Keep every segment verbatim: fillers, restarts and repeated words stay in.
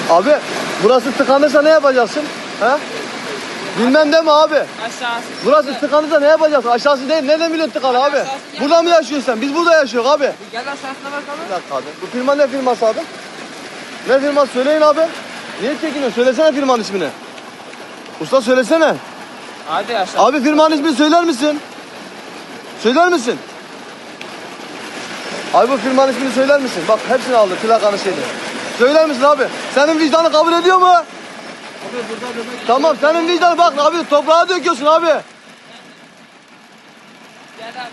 Abi burası tıkanırsa ne yapacaksın? He? Bilmem de mi abi? Aşağısı. Burası tıkanırsa ne yapacaksın? Aşağısı değil. Nereden biliyorsun tıkalı abi? Burada mı yaşıyorsun sen? Biz burada yaşıyoruz abi. Gel aşağısına bakalım. Bir dakika abi. Bu firma ne firması abi? Ne firması? Söyleyin abi. Niye çekiniyorsun? Söylesene firmanın ismini. Usta söylesene. Hadi aşağı. Abi firmanın ismini söyler misin? Söyler misin? Abi bu firmanın ismini söyler misin? Bak hepsini aldı plakanı şeyini. Söyler misin abi? Senin vicdanı kabul ediyor mu? Abi burada demek. Tamam senin vicdanı bak abi toprağa döküyorsun abi. Gel abi.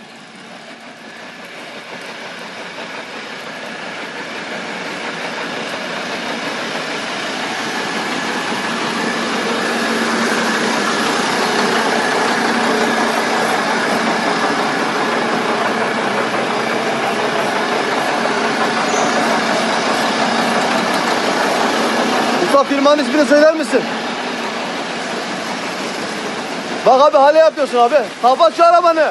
Usta firmanın ismini söyler misin? Bak abi hale yapıyorsun abi. Kapat şu arabanı.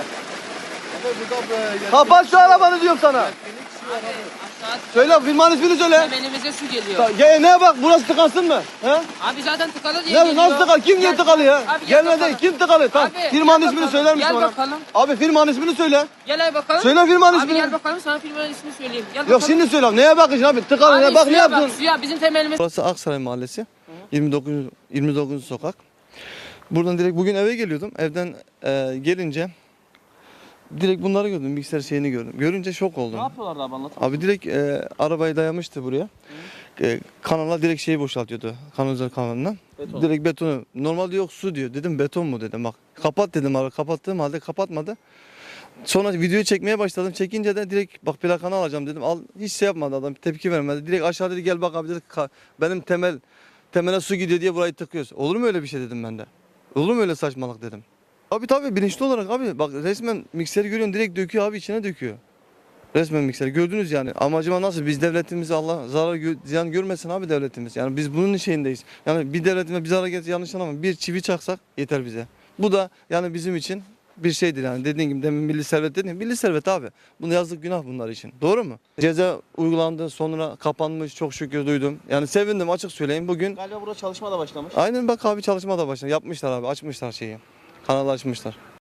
Kapat şu arabanı diyorum sana. Aşağı. Söyle firmanın ismini söyle. Temelimize su geliyor. Ya ne bak burası tıkansın mı? He? Abi zaten tıkalı diye Ne, geliyor. nasıl tıkalı? Kim diye Gel- tıkalı ya? Abi gel Gelmedi. bakalım. Kim tıkalı? Tamam. Abi, Firmanın gel ismini bakalım. söyler misin Gel bana? bakalım. Abi firmanın ismini söyle. Gel abi bakalım. Söyle firmanın Abi ismini. gel bakalım sana firmanın ismini söyleyeyim. Gel Yok bakalım. şimdi söyle. Neye bakacaksın abi? Tıkalı Abi ne? Bak ne suya yaptın? Suya bizim temelimiz. Burası Aksaray Mahallesi. yirmi dokuz yirmi dokuz sokak. Buradan direkt bugün eve geliyordum. Evden e, gelince direkt bunları gördüm. Bilgisayar şeyini gördüm. Görünce şok oldum. Ne yapıyorlardı abi anlat. Abi direkt e, arabayı dayamıştı buraya. E, kanala direkt şeyi boşaltıyordu. Kanalizasyon kanalından. Beton. Direkt betonu. Normalde yok su diyor. Dedim beton mu dedim. Bak kapat dedim abi. Kapattığım halde kapatmadı. Sonra videoyu çekmeye başladım. Çekince de direkt bak plakanı alacağım dedim. Al hiç şey yapmadı adam. Tepki vermedi. Direkt aşağı dedi gel bak abi dedi. Ka- benim temel temele su gidiyor diye burayı tıkıyoruz. Olur mu öyle bir şey dedim ben de. Olur mu öyle saçmalık dedim. Abi tabii bilinçli olarak abi bak resmen mikseri görüyorsun direkt döküyor abi içine döküyor. Resmen mikser gördünüz yani. Amacıma nasıl biz devletimize Allah zarar gö- ziyan görmesin abi devletimiz. Yani biz bunun şeyindeyiz. Yani bir devletime bir zarar getirse yanlış anlama bir çivi çaksak yeter bize. Bu da yani bizim için bir şeydir yani dediğin gibi demin milli servet dedin. Milli servet abi. Bunu yazık günah bunlar için. Doğru mu? Ceza uygulandı sonra kapanmış çok şükür duydum. Yani sevindim açık söyleyeyim bugün. Galiba burada çalışma da başlamış. Aynen bak abi çalışma da başladı. Yapmışlar abi açmışlar şeyi. Kanalı açmışlar.